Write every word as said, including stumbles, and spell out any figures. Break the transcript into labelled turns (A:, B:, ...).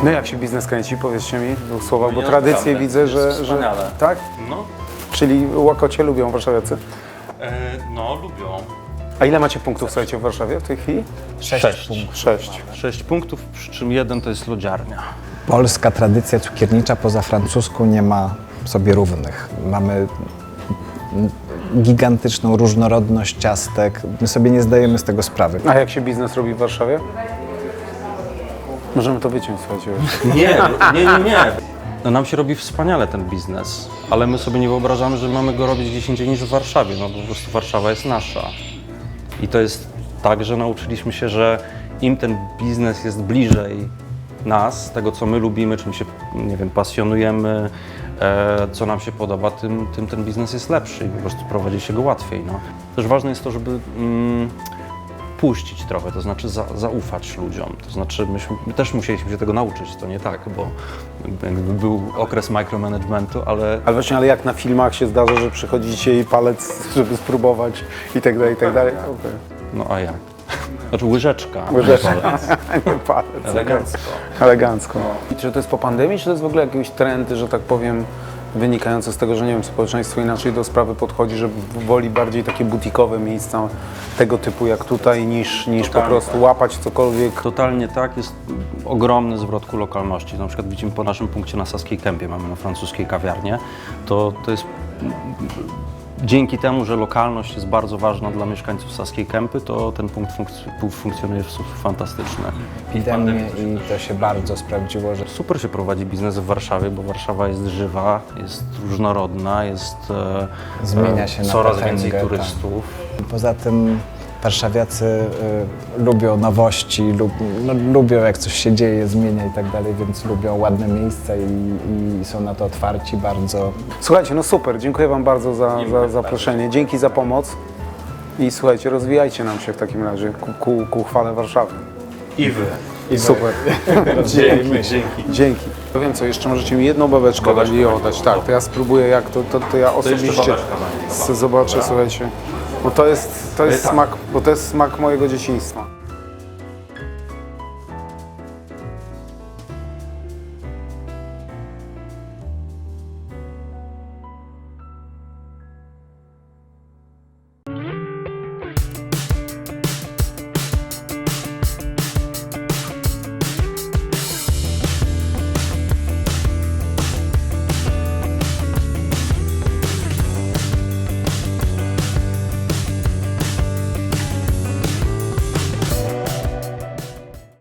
A: No jak się biznes kręci? Powiedzcie mi dwóch słowach, bo
B: Nie,
A: tradycję
B: naprawdę,
A: widzę,
B: jest
A: że, że...
B: wspaniale.
A: Tak?
B: No,
A: Czyli łakocie lubią warszawiacy.
B: e, no lubią.
A: A ile macie punktów, słuchajcie, w Warszawie w tej chwili?
B: Sześć.
A: Sześć.
B: Sześć punktów, przy czym jeden to jest lodziarnia.
C: Polska tradycja cukiernicza poza francuską nie ma sobie równych. Mamy gigantyczną różnorodność ciastek. My sobie nie zdajemy z tego sprawy.
A: A jak się biznes robi w Warszawie? Możemy to wyciąć, słuchajcie.
B: Nie, nie, nie, nie. No nam się robi wspaniale ten biznes, ale my sobie nie wyobrażamy, że mamy go robić gdzieś indziej niż w Warszawie. No po prostu Warszawa jest nasza. I to jest tak, że nauczyliśmy się, że im ten biznes jest bliżej nas, tego co my lubimy, czym się, nie wiem, pasjonujemy, e, co nam się podoba, tym, tym ten biznes jest lepszy i po prostu prowadzi się go łatwiej. No. Też ważne jest to, żeby mm, puścić trochę, to znaczy za, zaufać ludziom. To znaczy myśmy, my też musieliśmy się tego nauczyć, to nie tak, bo jakby, jakby był okres micromanagementu, ale
A: Ale właśnie, ale jak na filmach się zdarza, że przychodzicie i palec, żeby spróbować i tak dalej, i tak dalej. Okay.
B: no a jak? Znaczy łyżeczka.
A: Łyżeczka.
B: nie palec.
A: Nie palec.
B: Elegancko.
A: Elegancko. I czy to jest po pandemii, czy to jest w ogóle jakiś trend, że tak powiem, wynikający z tego, że nie wiem, społeczeństwo inaczej do sprawy podchodzi, że woli bardziej takie butikowe miejsca tego typu jak tutaj, niż, niż po
B: Totalnie
A: prostu
B: tak.
A: łapać cokolwiek.
B: Totalnie tak, jest ogromny zwrot ku lokalności. Na przykład widzimy po naszym punkcie na Saskiej Kępie, mamy na francuskiej kawiarnię, to, to jest dzięki temu, że lokalność jest bardzo ważna dla mieszkańców Saskiej Kępy, to ten punkt funk- funkcjonuje w sposób fantastyczny.
C: Epidemię i to się bardzo sprawdziło, że
B: Super się prowadzi biznes w Warszawie, bo Warszawa jest żywa, jest różnorodna, jest e,
C: Zmienia się
B: e,
C: na
B: coraz
C: potęgę,
B: więcej
C: tak.
B: turystów.
C: poza tym warszawiacy y, lubią nowości, lub, no, lubią jak coś się dzieje, zmienia i tak dalej, więc lubią ładne miejsca i, i są na to otwarci bardzo.
A: Słuchajcie, no super, dziękuję Wam bardzo za, za zaproszenie, dzięki za pomoc i słuchajcie, rozwijajcie nam się w takim razie ku, ku, ku chwale Warszawy.
B: I wy.
A: I super.
B: Dzięki. Dzięki.
A: Dzięki. Ja wiem co, jeszcze możecie mi jedną babeczkę dali oddać. Tak, to ja spróbuję jak to, to, to ja osobiście
B: babeczka będzie.
A: z- zobaczę, słuchajcie. Bo to jest, to jest smak, bo to jest smak mojego dzieciństwa.